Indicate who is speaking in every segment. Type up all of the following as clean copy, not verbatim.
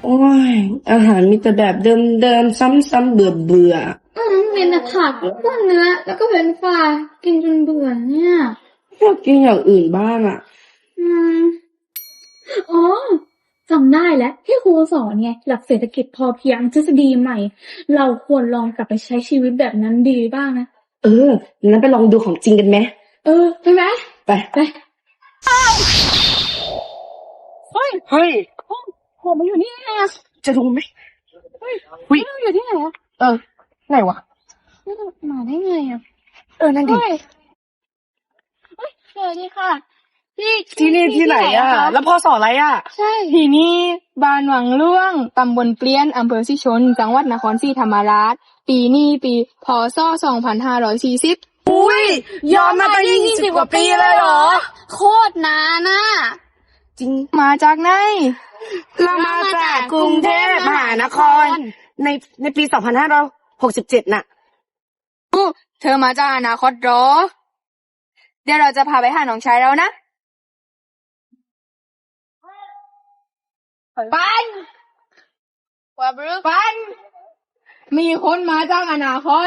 Speaker 1: โอ้ยอาหารมีแต่แบบเดิมๆซ้ำๆเบื่อ
Speaker 2: เป็นแต่ผักแล้วก็เนื้อแล้วก็เป็นปลากินจนเบื่อเนี่ย
Speaker 1: อยากกินอย่างอื่นบ้างอ่ะ
Speaker 2: อืมอ๋อจำได้แล้วที่ครูสอนไงหลักเศรษฐกิจพอเพียงทฤษฎีใหม่เราควรลองกลับไปใช้ชีวิตแบบนั้นดีบ้างนะ
Speaker 1: งั้นไปลองดูของจริงกันไหม
Speaker 2: ไปไหม
Speaker 1: ไป
Speaker 2: เฮ้ยผมมาอยู่นี่ไงอะ
Speaker 1: จะดูไหม
Speaker 2: เฮ้ย
Speaker 1: หุ้ย
Speaker 2: เราอยู่ที่ไหนอะ
Speaker 1: ไหนวะ
Speaker 2: นี่เรามาได้ไงอะ
Speaker 1: นั่นดิ
Speaker 2: สวัสดีค่ะ
Speaker 1: ที่นี่ที่ไหนอ่ะแล้วพอสอนอะไรอ่ะ
Speaker 2: ใช่
Speaker 3: ที่นี่บ้านวังล่วงตำบลเปลี่ยนอำเภอสิชนจังหวัดนครศรีธรรมราชปีนี้ปีพ.ศ. 2540
Speaker 1: อุ้ยย้อนมาตั้ง20 กว่าปีเลยเหรอ
Speaker 2: โคตรนานน่ะ
Speaker 1: จริง
Speaker 3: มาจากไหน
Speaker 1: เรามาจากกรุงเทพมหานครในปี2567น่ะ
Speaker 3: เธอมาจากอนาคตเหรอเดี๋ยวเราจะพาไปหาน้องชายเรานะปันว่าบรึปันมีคนมาจากอนาคต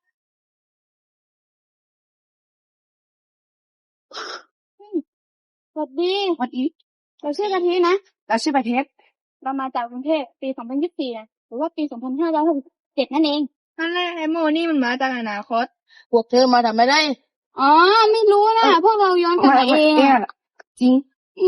Speaker 2: สวัสดี เราชื่อกะทินะ
Speaker 1: แล้วชื่อประเทศ
Speaker 2: เรามาจากกรุงเทพปี2024นะหรือว่าปี2567นั่นเอง
Speaker 3: นั่นแหละไอ้โมนี่มันมาจากอนาคตพวกเธอมาทำไม่ได้
Speaker 2: อ๋อ ไม่รู้นะพวกเราย้อนกลับมาเอง
Speaker 1: จริง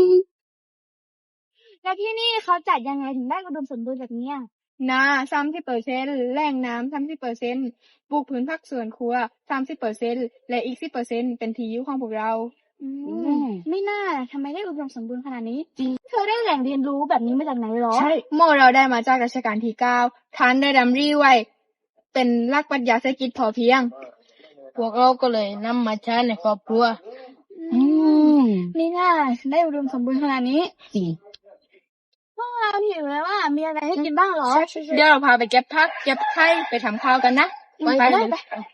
Speaker 2: แล้วที่นี่เขาจัดยังไงถึงได้อุดมสมบูรณ์แบบนี้
Speaker 3: นา30%แหล่งน้ำ30%ปลูกพื้นผักสวนครัว30%และอีก10%เป็นที่อยู่ของพวกเรา
Speaker 2: ไม่น่าทำไมได้อุดมสมบูรณ์ขนาดนี้จริงเธอได้แหล่งเรียนรู้แบบนี้มาจากไหนหรอ
Speaker 3: ใช่โมเราได้มาจากรัชกาลที่9ท่านได้ดำริไว้เป็นหลักปรัชญาเศรษฐกิจพอเพียงพวกเราก็เลยนำมาใช้ในครอบครัว
Speaker 2: ไม่น่าได้อุดมสมบูรณ์ขนาดนี้
Speaker 1: จริง
Speaker 2: พวกเราหิวแล้วว่ามีอะไรให้กินบ้างหรอ
Speaker 3: เดี๋ยวเราพาไปเก็บผักเก็บไข่ไปทำข้าวกันนะไป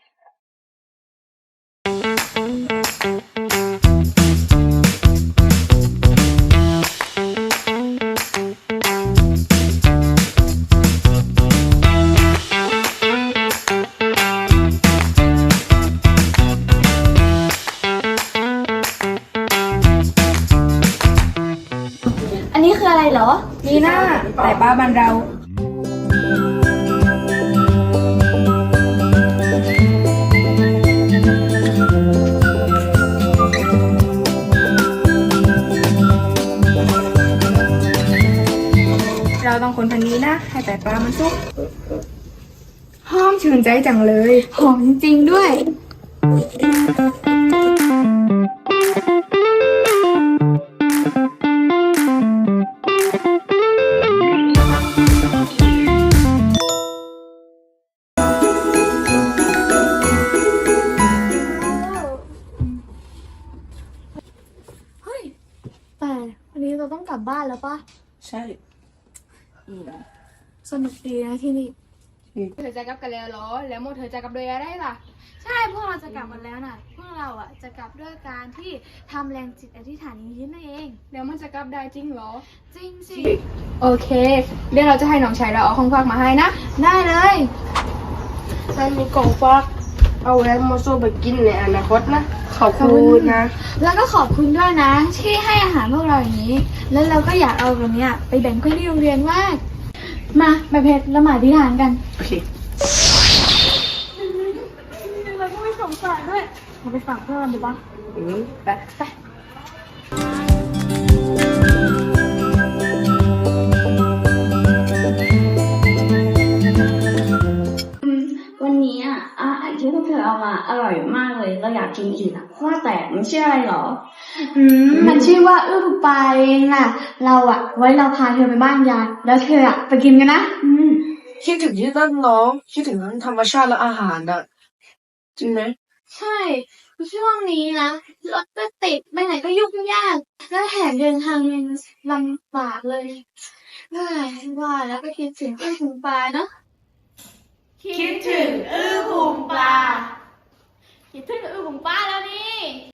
Speaker 2: อันนี้คืออะไรเหรอ
Speaker 3: มีหน้าแต่ป้าบ้านเราเราต้องคนพันนี้นะให้แต่ปลามันสุกหอมชื่นใจจังเลย
Speaker 2: หอมจริงๆด้วยแต่วันนี้เราต้องกลับบ้านแล้วปะ
Speaker 1: ใช่
Speaker 2: สนุกดีนะที่นี่
Speaker 3: เธอจะกลับกันแล้วเหรอแล้วโมเธอจะกลับด้วยอะไรล่ะ
Speaker 2: ใช่พวกเราจะกลับกันแล้วน่ะพวกเราอ่ะจะกลับด้วยการที่ทำแรงจิตอธิษฐานยิ้มนั่นเอง
Speaker 3: แล้วมันจะกลับได้จริงเหรอ
Speaker 2: จริงสิ
Speaker 3: โอเคเดี๋ยวเราจะให้น้องชายเราเอาของฝากมาให้นะ
Speaker 2: ได้เลย
Speaker 1: ฉันมีกล่องฟักเอาไว้มาสู้ไปกินในอนาคตนะขอบคุณนะ
Speaker 2: แล้วก็ขอบคุณด้วยนะที่ให้อาหารพวกเราอย่างนี้แล้วเราก็อยากเอาตรงเนี้ยไปแบ่งเพื่อนที่โรงเรียนมากมาเพชรละหมาดอธิษฐานกัน
Speaker 1: โอเค
Speaker 2: เราก็ไม่สงสารด้วยเราไปฝากเพื่อนดูบ้างไป
Speaker 4: วันนี้อาหารที่พวกเธอเอามาอร่อยมากเลยเราอยากกินอีกว่าแต่มันชื่ออะไรหรอ
Speaker 2: มันชื่อว่าอื้อปลาเองน่ะเราไว้เราพาเธอไปบ้านยายแล้วเธอไปกินกันนะ
Speaker 1: คิดถึงที่ต้นน้องคิดถึงทั้งธรรมชาติและอาหารอ่ะจริงไหม
Speaker 2: ใช่ช่วงนี้นะรถก็ติดไปไหนก็ยุ่งยากแล้วแถมเดินทางยังลำบากเลยว่าแล้วก็คิดถึงอื้อถึงปลาเนาะ
Speaker 4: คิดถึงอื้อบุ๋มปลา
Speaker 2: คิดถึงอื้อถึงปลาแล้วนี่